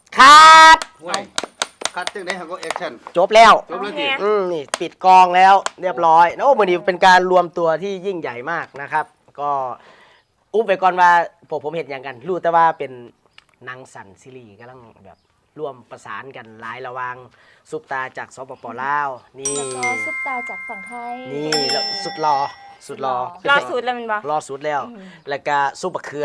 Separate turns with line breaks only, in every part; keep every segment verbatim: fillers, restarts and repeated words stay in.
คัด
คัดจึงได้ฮักก็แอคชั่น
จบแล้ว
จบแล้วจี
อืมนี่ปิดกองแล้วเรียบร้อยโอ้วันนี้เป็นการรวมตัวที่ยิ่งใหญ่มากนะครับก็อุ๊บไปก่อนว่าพวกผมเห็นอย่างกันรู้แต่ว่าเป็นนางสันซีรีส์กำลังแบบร่วมประสานกันหลายระวังซุปตาจากสปปลาวนี่
แล้วก็ซุปตาจากฝั่งไทย
นี่แล้วสุดรอสุดรอ
รอสุดแล้วมันบ่
รอสุดแล้วแล้วก็ซุปบะเขือ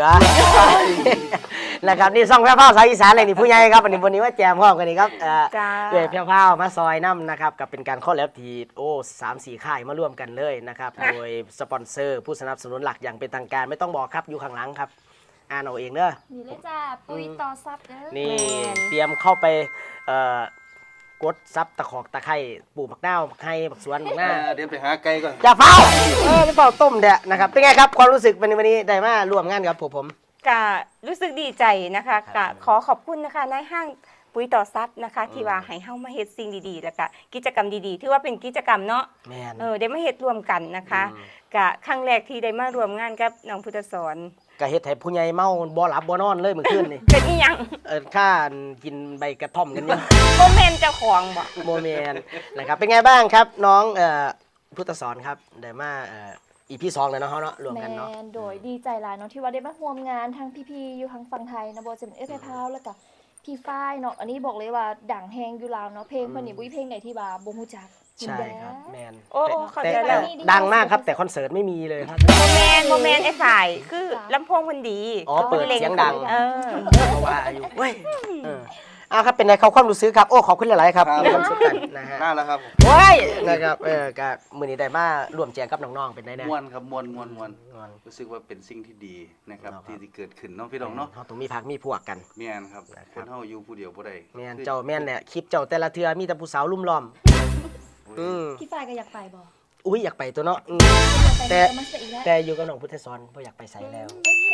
นะครับนี่ซ่องแพ้วพาวสายอีสานเลยนี่ผู้ใหญ่ครับวันนี้วันนี้ว่าแจมพร้อมกันนี่ครับเอ่อด้วยแพ้วพาวมาซอยน้ำนะครับกับเป็นการคอลแลบทีโอ้สามสี่ค่ายมาร่วมกันเลยนะครับโดยสปอนเซอร์ผู้สนับสนุนหลักอย่างเป็นทางการไม่ต้องบอกครับอยู่ข้างหลังครับอ่านเอาเองเด้อ
นี่เลยจ้าปุ๋ยต่อซับเด้อ
นี่เตรียมเข้าไปเอ่อกดซับตะขอกตะไคร่ปลูกผักหน้าผักไห่ผักสวนผักหน้า
เดี๋ยวไปหาไก่ก่อน
จะเฝ้าเออไปเฝ้าต้มเด้อนะครับเป็นไงครับความรู้สึกวันนี้วันนี้ได้มาร่วมงานกับผมผม
ก็รู้สึกดีใจนะคะก็ขอขอบคุณนะคะนายห้างปุ๋ยต่อซับนะคะที่ว่าให้เฮามาเฮ็ดสิ่งดีๆแล้วก็กิจกรรมดีๆถือว่าเป็นกิจกรรมเนาะเออได้มาเฮ็ดร่วมกันนะคะก็ครั้งแรกที่ได้มาร่วมงานกับน้องพุทธสอน
ก็เฮ็ดให้ผู้ใหญ่เมาบ่หลับบ่นอนเลยเมื่อคืนนี่
เป็นอีหยัง
เออข้ากินใบกระท่อมกันอยู่
บ่แม่นเจ้าของบ่
บ่แม่นนะครับเป็นไงบ้างครับน้องเอ่อพุทธสอนครับได้มาเอ่ออีพีสองแล้วเนาะเฮาเนาะรวมกันเนาะ
แมนโดยดีใจหลายเนาะที่ว่าได้มาร่วมงานทางพี่ๆอยู่ทางฝั่งไทยนะบ่จะเป็นเอฟไอพาวแล้วก็พี่ฝ้ายเนาะอันนี้บอกเลยว่าดังแฮงอยู่ลาวเนาะเพลงเพิ่นนี่บ่มีเพลงไหนที่ว่าบ่ฮู้จัก
ใช่ครับแมน
โอ้เข้าใจ
แล้วดังมากครับแต่คอนเสิร์ตไม่มีเลยครับ
โมแมนโมแมนไอ้ฝ่ายคือลำโพงมันดี
อ๋อเปิดเสียงดัง
เออ
เพราะว่าอยู่เว้ยอ้าวครับเป็นไงเขาความรู้สึกครับโอ้ขอบคุณหลายๆครับมีความสุขกันนะฮะ
น่าแล้วครับ
โอ้ยนะครับเออกับมื้อนี้ได้มาร่วมแจงกับน้องๆเป็นได้แน่
ม่วนครับม่วนม่วนม่วนรู้สึกว่าเป็นสิ่งที่ดีนะครับที่ที่เกิดขึ้นเนาะพี่น้องเนาะ
เฮาต้องมีพักมีพวกกัน
แม่นครับคนเฮาอยู่ผู้เดียวบ่ได้
แม่นเจ้าแม่นเนี่ยคลิปเจ้าแต่ละเทื่อมีแต่ผู้สาวลุ่มล้อม
อืมพี่ฝ้ายก็อยากไปบ่
อุ้ยอยากไปตัวเนาะแต่แต่อยู่กับน้องพุทธสอนบ่อยากไปไสแล้ว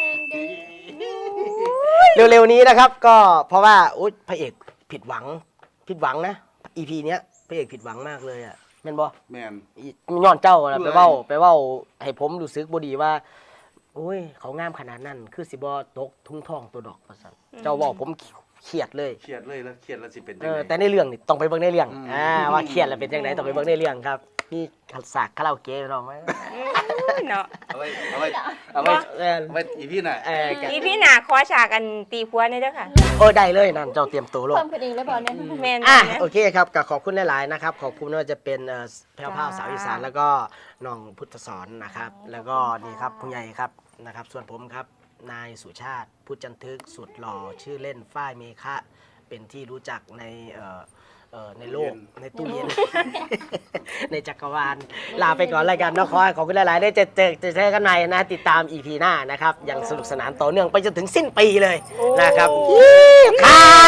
เร็วๆนี้นะครับก็เพราะว่าอุ๊ยพระเอกผิดหวังผิดหวังนะ อี พี เนี้ยพระเอกผิดหวังมากเลยอ่ะแม่นบ่
แม่น
ย้อนเจ้าไปเว้าไปเว้าให้ผมรู้สึกบ่ดีว่าโอ้ยเขางามขนาดนั้นคือสิบ่ตกทุ่งทองตัวดอกว่าซั่นเจ้าเว้าผมเครียดเลย
เครียดเลยแล้วเครียดแล้วสิเป็นจัง
ได๋เออแต่ในเรื่องนี่ต้องไปเบิ่งในเรื่องอ่าว่าเครียดแล้วเป็นจังได๋ต้องไปเบิ่งในเรื่องครับมีฉากคาราโอเกะเนาะ
เนาะ
เอาไว้เอาไว้เอาไว้เอาไว้อีพี่น่ะ
เอออีพี่น่ะขอฉากกันตีผัวนี่เด้อค่ะ
โอ้ได้เลยนั่นเจ้าเตรียมตัวลง
เพิ่มขึ้นเองแล้วบ่เนี่ย
แม่น
อ่ะโอเคครับก็ขอบคุณหลายๆนะครับขอบคุณว่าจะเป็นเอ่อแพรวพราวสาวอีสานแล้วก็น้องพุทธสอนนะครับแล้วก็นี่ครับผู้ใหญ่ครับนะครับส่วนผมครับนายสุชาติพุทธจันทึกสุดหล่อชื่อเล่นฝ้ายเมฆะเป็นที่รู้จักในเอ่อเอ่อในโลกในตู้เย็นในจักรวาลลาไปก่อนรายการนครขอบคุณหลายๆได้เจอเจอเจอกันในนะติดตาม อี พี หน้านะครับยังสนุกสนานต่อเนื่องไปจนถึงสิ้นปีเลยนะครับครับ